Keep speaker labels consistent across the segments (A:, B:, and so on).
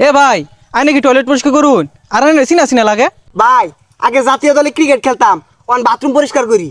A: এ ভাই আই নাকি টয়লেট পরিষ্কার করুন আর আনে সিনা সিনা লাগে
B: ভাই আগে জাতীয় দলে ক্রিকেট খেলতাম অন বাথরুম পরিষ্কার করি।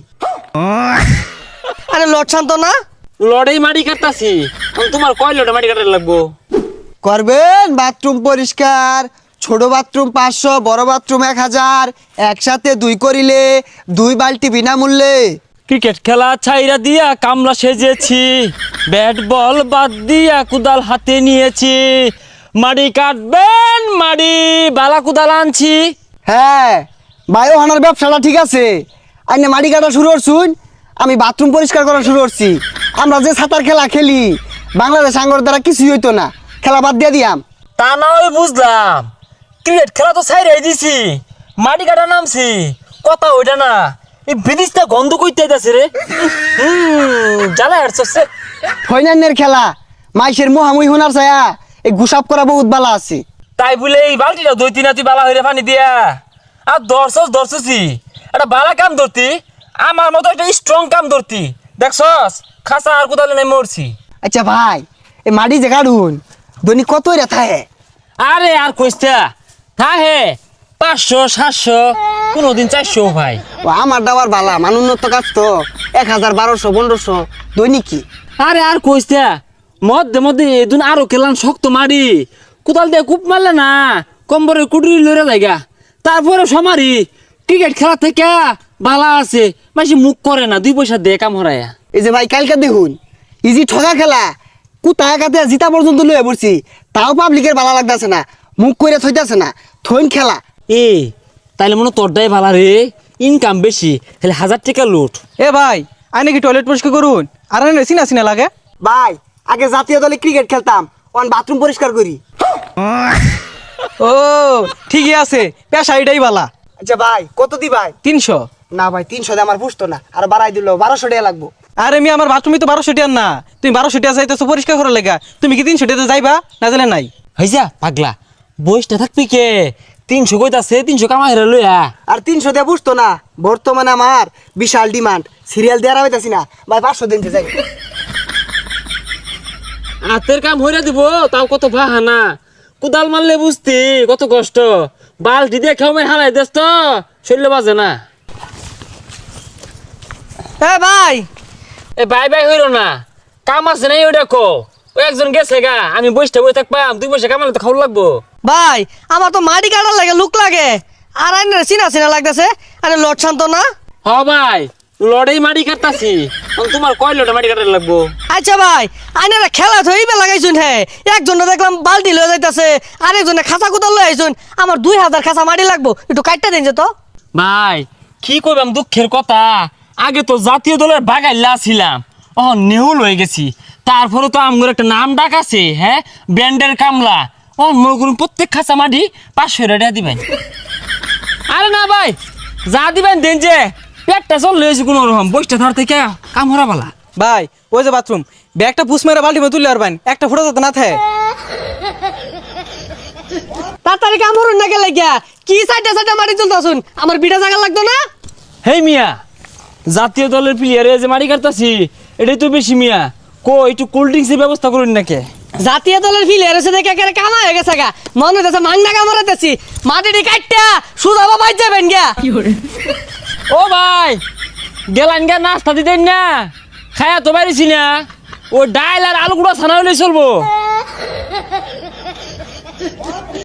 C: আরে লট শান্ত না
D: লড়াই মাটি কাটতাছি তোমার কয় লড়াই মাটি কাটার লাগবো
B: করবেন বাথরুম পরিষ্কার, ছোট বাথরুম 500, বড় বাথরুম 1000, একসাথে 2 করিলে 2 বালতি বিনামূল্যে।
D: ক্রিকেট খেলা ছাইরা দিয়া কামলা সেজেছি, ব্যাট বল বাদ দিয়া কুদাল হাতে নিয়েছি, মাটি কাটবেন মাটি বালা কুদাল আনছি।
B: হ্যাঁ বায়ো হানার ব্যবসাটা ঠিক আছে, আইনে মাটি কাটা শুরু করছুন, আমি বাথরুম পরিষ্কার করা শুরু করছি। আমরা যে সাঁতার খেলা খেলি বাংলাদেশ আঙ্গর দ্বারা কিছুই হইতো না, খেলা বাদ দিয়ে দিয়াম।
D: তা না হয় বুঝলাম, ক্রিকেট খেলা তো ছাইরাই দিছি, মাটি কাটা নামছি, কথা ওইটা না, এই বিদিশটা গন্ধ কইতে যাচ্ছে রে। জ্বালা হাঁটছে
B: ফাইনালের খেলা মাইসের মোহামুই হোনার ছায়া এই গুসাপ করা বহুত বালা আছে।
D: তাই বলে এই বালতিটা 2-3 তুই বালা হইরে পানি দিয়া আর ধরছি একটা বালা কাম ধরতি, আমার মতো একটা স্ট্রং কাম ধরতি, দেখছস খাসা আর কোদালে নাই মরছি।
B: আচ্ছা ভাই এই মাটি যে কাটুন দৈনিক কত রেথা হে?
D: আরে আর কইস্তা থা হে 500-700 কোনদিন 400 ভাই।
B: ও আমার দাবার বালা মানুন্নত কাজ তো 1000, 1200, 1500 দৈনিক কি।
D: আরে আর কইস্তা মধ্যে এদিন আরো খেলাম শক্ত মারি, কোদাল দিয়ে কূপ মারলে না কম্বরে কুটুরি লড়ে লাগা, তারপরে সমারি ক্রিকেট খেলা থেকে বালা আছে মাসি মুখ করে না, 2 পয়সা দিয়ে কাম হরায়া।
B: এই যে ভাই কালকে দেখুন ইজি ঠগা খেলা কুতায় কাতে জিতা পর্যন্ত লয়ে পড়ছি, তাও পাবলিকের বালা লাগতেছে না, মুখ করে থইতাছে না, থইন খেলা।
D: এ তাইলে মনে তোরটাই ভালা রে, ইনকাম বেশি, তাহলে 1000 টাকা লুট।
A: এ ভাই আই নাকি টয়লেট পরিষ্কার করুন আর আনে সিনা সিনা লাগে
B: ভাই আগে জাতীয় দলে ক্রিকেট খেলতাম অন বাথরুম পরিষ্কার করি।
A: ও ঠিকই আছে, পেশা এটাই বালা।
B: আচ্ছা ভাই কত দি ভাই?
A: 300।
B: না ভাই 300 দিয়ে আমার পুষতো না, আর বাড়াই দিল 1200 টাকা লাগবো।
A: আরে আমি আমার বাথরুমে তো 1200 টাকা না, তুমি 1200 টাকা যাইতেছো পরিষ্কার করার লেগা, তুমি কি 300 টাকা যাইবা না জানে নাই?
D: হইজা পাগলা বইসটা থাকবি কে, 300 কইতাছে 300 কামাই রে লইয়া।
B: আর 300 দিয়ে পুষতো না, বর্তমানে আমার বিশাল ডিমান্ড, সিরিয়াল দেওয়া হইতাছি না ভাই, 500 দিন যাই।
D: হাতের কাম হইরা দিব তাও কত বাহানা, কুদাল মারলে বুঝতি কত কষ্ট, বালতি দিয়ে খেয়ে হারাই দেস তো শরীরে বাজে না।
C: এ ভাই
D: এ বাই হইল না, কাম আছে নাই ওই দেখো, ওই একজন গেছে গা, আমি বসটা বই থাকবাম, 2 পয়সা কামালে তো খাওয়া লাগবো।
C: ভাই আমার তো মাটি কাটার লাগে লুক লাগে, আর আইনে চিনা চিনা লাগতেছে, আরে লট শান্ত না।
D: হ ভাই লড়াই মাটি কাটতাছি, তোমার কয় লড়াই মাটি কাটার লাগবো?
C: আচ্ছা ভাই আইনারা খেলা ধইবে লাগাইছুন, হে একজনে দেখলাম বালতি লয়ে যাইতাছে, আরেকজনে খাঁচা কুদাল লয়ে আইছুন, আমার 2000 খাঁচা মাটি লাগবো, একটু কাটটা দিন যে তো।
D: ভাই কি কইবাম দুঃখের কথা, আগে তো জাতীয় দলের বাগাইলা ছিলাম, নেহুল হয়ে গেছি, তারপরে তো আমার একটা নাম ডাক আছে, হ্যাঁ ব্যান্ডের কামলা, মনে করুন প্রত্যেক খাঁচা মাটি 500 টাকা দিবেন। আরে না ভাই যা দিবেন দেন, যে পেটটা চল লয়েছি কোনো রকম, বইটা ধর থেকে কাম হরা বালা।
A: ভাই ওই যে বাথরুম ব্যাগটা পুষ মেরে বালতি মে তুললে আর বাইন একটা ফুটা যাতে না থাকে।
C: তাড়াতাড়ি কাম হরুন না গেলে গিয়া কি সাইডে মাটি তুলতাছুন, আমার বিটা জায়গা লাগতো না।
D: হেই মিয়া, জাতীয় দলের প্লেয়ারে যে মাটি কাটতাছি এটাই তো বেশি মিয়া, একটু কোল্ড ড্রিঙ্কসের ব্যবস্থা করুন নাকি?
C: জাতীয় দলের ফিলিয়ার এসে দেখে একেবারে কামা হয়ে গেছে গা, মনে হইতেছে মাংনা কামড়াইতেছি, মাটিটি কাটটা সুদা বাবাই যাবেন গিয়া।
D: ও ভাই গেলান গা নাস্তা দিতেন না, খায়া তো পারিছি না, ও ডাইল আর আলু গুঁড়া ছানা হলে চলবো।